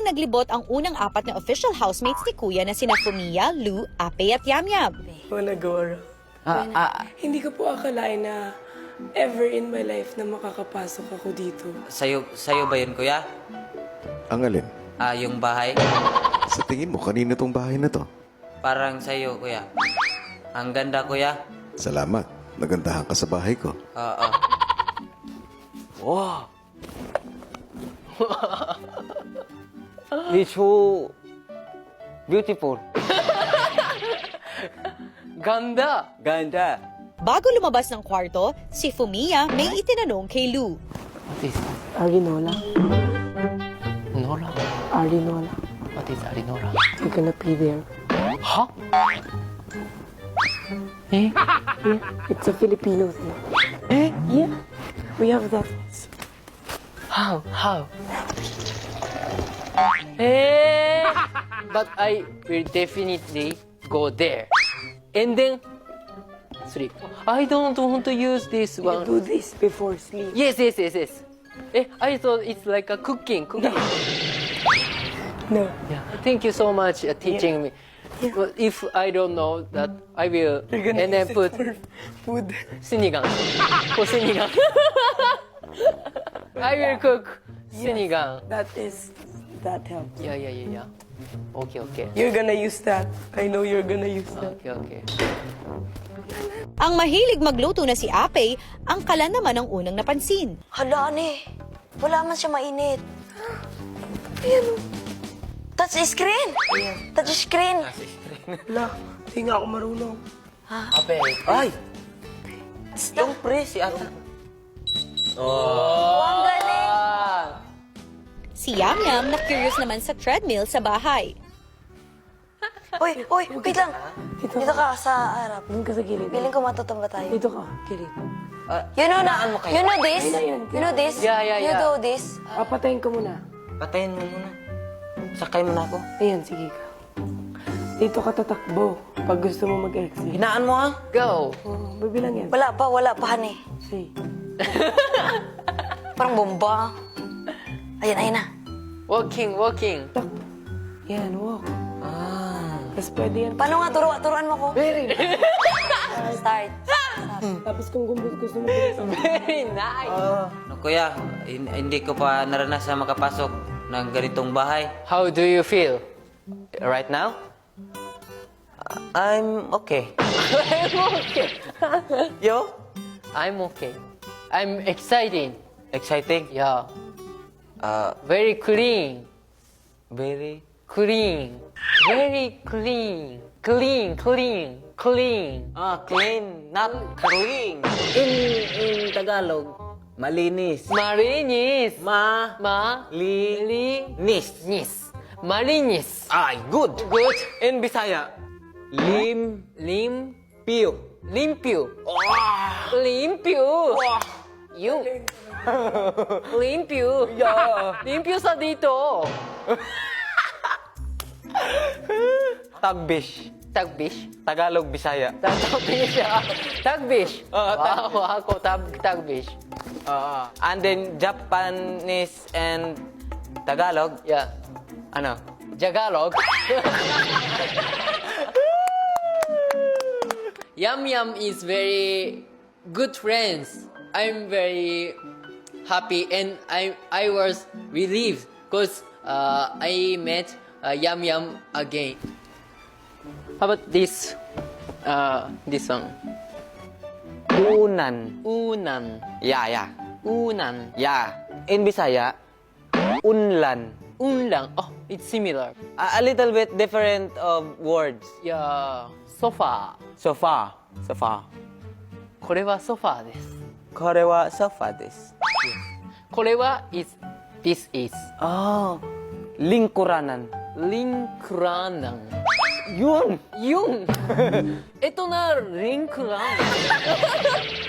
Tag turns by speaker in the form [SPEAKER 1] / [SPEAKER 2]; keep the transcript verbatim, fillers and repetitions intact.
[SPEAKER 1] Biglang naglibot ang unang apat na official housemates ni Kuya na sina Fumiya, Lou, Ape at Yamyam.
[SPEAKER 2] Wala, Gora.
[SPEAKER 3] Ah, ah,
[SPEAKER 2] Hindi ko po akalain na ever in my life na makakapasok ako dito.
[SPEAKER 3] sayo, sayo ba yun, kuya?
[SPEAKER 4] Ang alin?
[SPEAKER 3] Ah, yung bahay?
[SPEAKER 4] Sa tingin mo, kanino tong bahay na to?
[SPEAKER 3] Parang sayo, kuya. Ang ganda, kuya.
[SPEAKER 4] Salamat. Nagandahan ka sa bahay ko.
[SPEAKER 3] Oo.
[SPEAKER 5] 와. It's so beautiful.
[SPEAKER 6] Ganda!
[SPEAKER 5] Ganda.
[SPEAKER 1] Bago lumabas ng kwarto, si Fumiya may itinanong kay Lou.
[SPEAKER 6] What is
[SPEAKER 2] Arinola.
[SPEAKER 6] Nora?
[SPEAKER 2] Arinola.
[SPEAKER 6] What is Arinola?
[SPEAKER 2] You're gonna be there.
[SPEAKER 6] Huh? Eh?
[SPEAKER 2] It's a Filipino thing.
[SPEAKER 6] Eh?
[SPEAKER 2] Yeah. We have that.
[SPEAKER 6] How? How? Eh? But I will definitely go there. And then sleep. I don't want to use this
[SPEAKER 2] You
[SPEAKER 6] one.
[SPEAKER 2] do this before sleep.
[SPEAKER 6] Yes, yes, yes, yes. Eh, I thought it's like a cooking. Cooking.
[SPEAKER 2] No.
[SPEAKER 6] Yeah. Thank you so much uh, teaching me. But if I don't know that, I will
[SPEAKER 2] You're gonna
[SPEAKER 6] and then
[SPEAKER 2] use it
[SPEAKER 6] put
[SPEAKER 2] for food.
[SPEAKER 6] sinigang. For sinigang. I will cook sinigang.
[SPEAKER 2] That is, that helps.
[SPEAKER 6] Yeah, yeah, yeah, yeah. Okay, okay.
[SPEAKER 2] You're gonna use that. I know you're gonna use that.
[SPEAKER 6] Okay, okay.
[SPEAKER 1] Ang mahilig magluto na si Ape, ang kalan naman ang unang napansin.
[SPEAKER 7] Hala, ane. Wala man siya mainit. Ayan. Touch screen. Touch screen.
[SPEAKER 2] Wala, hindi nga ako marunong.
[SPEAKER 3] Ape. Ay! Yung pre, si ata.
[SPEAKER 7] Oh, ang galing.
[SPEAKER 6] Ah,
[SPEAKER 1] Si Yamyam na curious naman sa treadmill sa bahay.
[SPEAKER 7] Uy, uy, wait lang. Dito ka sa harap.
[SPEAKER 2] Doon ka sa gilid.
[SPEAKER 7] Piling ko matutumba tayo.
[SPEAKER 2] Dito ka, gilid.
[SPEAKER 7] You know na,
[SPEAKER 3] mo kayo?
[SPEAKER 7] you know this?
[SPEAKER 2] Ayun na yun.
[SPEAKER 7] You know this?
[SPEAKER 6] Yeah, yeah,
[SPEAKER 7] You
[SPEAKER 6] yeah.
[SPEAKER 7] do this?
[SPEAKER 2] Papatayin ko muna.
[SPEAKER 3] Patayin mo muna. Sakay mo na ako.
[SPEAKER 2] Ayan, sige ka. Dito ka tatakbo pag gusto mo mag-exit.
[SPEAKER 3] Hinaan mo, ha?
[SPEAKER 6] go.
[SPEAKER 2] Oh, bibilang yan.
[SPEAKER 7] Wala pa, wala pa, honey.
[SPEAKER 2] Say.
[SPEAKER 7] Parang bomba. Ayan, ayan na.
[SPEAKER 6] Walking, walking.
[SPEAKER 2] Tak. Yan, walk.
[SPEAKER 3] Ah.
[SPEAKER 2] Tapos pwede yan.
[SPEAKER 7] Paano nga, turo, turuan mo ko?
[SPEAKER 2] Very
[SPEAKER 7] Start.
[SPEAKER 2] Tapos kung gusto, gusto mo bilisan.
[SPEAKER 6] Very nice.
[SPEAKER 3] No, kuya, hin- hindi ko pa naranasan makapasok ng ganitong bahay.
[SPEAKER 6] How do you feel right now?
[SPEAKER 3] I'm okay.
[SPEAKER 6] I'm okay.
[SPEAKER 3] Yo?
[SPEAKER 6] I'm okay. I'm excited.
[SPEAKER 3] Exciting?
[SPEAKER 6] Yeah.
[SPEAKER 3] Uh,
[SPEAKER 6] Very clean.
[SPEAKER 3] very...
[SPEAKER 6] Clean. Very clean. Clean, clean, clean.
[SPEAKER 3] Ah, clean, not clean. In, in Tagalog, malinis.
[SPEAKER 6] Marinis.
[SPEAKER 3] Ma...
[SPEAKER 6] Ma.
[SPEAKER 3] Li...
[SPEAKER 6] Li.
[SPEAKER 3] Nis.
[SPEAKER 6] Nis. Marinis.
[SPEAKER 3] Ay, good.
[SPEAKER 6] Good.
[SPEAKER 3] In Bisaya, lim...
[SPEAKER 6] Lim.
[SPEAKER 3] Piyo.
[SPEAKER 6] Limpio. Limpio. Yung. Limpio.
[SPEAKER 3] Yeah.
[SPEAKER 6] Limpio sa dito.
[SPEAKER 3] Tagbish.
[SPEAKER 6] Tagbish.
[SPEAKER 3] Tagalog, Bisaya.
[SPEAKER 6] Tagbish. Tagbish.
[SPEAKER 3] Oo, tag-
[SPEAKER 6] Wow, ako tag tagbish.
[SPEAKER 3] Uh, and then Japanese and Tagalog,
[SPEAKER 6] Yeah.
[SPEAKER 3] ano?
[SPEAKER 6] Jagalog. Yum Yum is very good friends. I'm very happy and I I was relieved because uh, I met uh, Yum Yum again. How about this? Uh, this one.
[SPEAKER 3] Unan.
[SPEAKER 6] Unan.
[SPEAKER 3] Yeah, yeah.
[SPEAKER 6] Unan.
[SPEAKER 3] Yeah. In Bisaya, unlan.
[SPEAKER 6] Unlang. Oh, it's similar.
[SPEAKER 3] A, a little bit different of words.
[SPEAKER 6] Yeah. Sofa.
[SPEAKER 3] Sofa. Sofa.
[SPEAKER 6] これはソファーです。
[SPEAKER 3] これはソファです。
[SPEAKER 6] これは is this is
[SPEAKER 3] Oh, lingkuranan.
[SPEAKER 6] lingkuranan.
[SPEAKER 3] Yun!
[SPEAKER 6] Yung. Ito na lingkuran.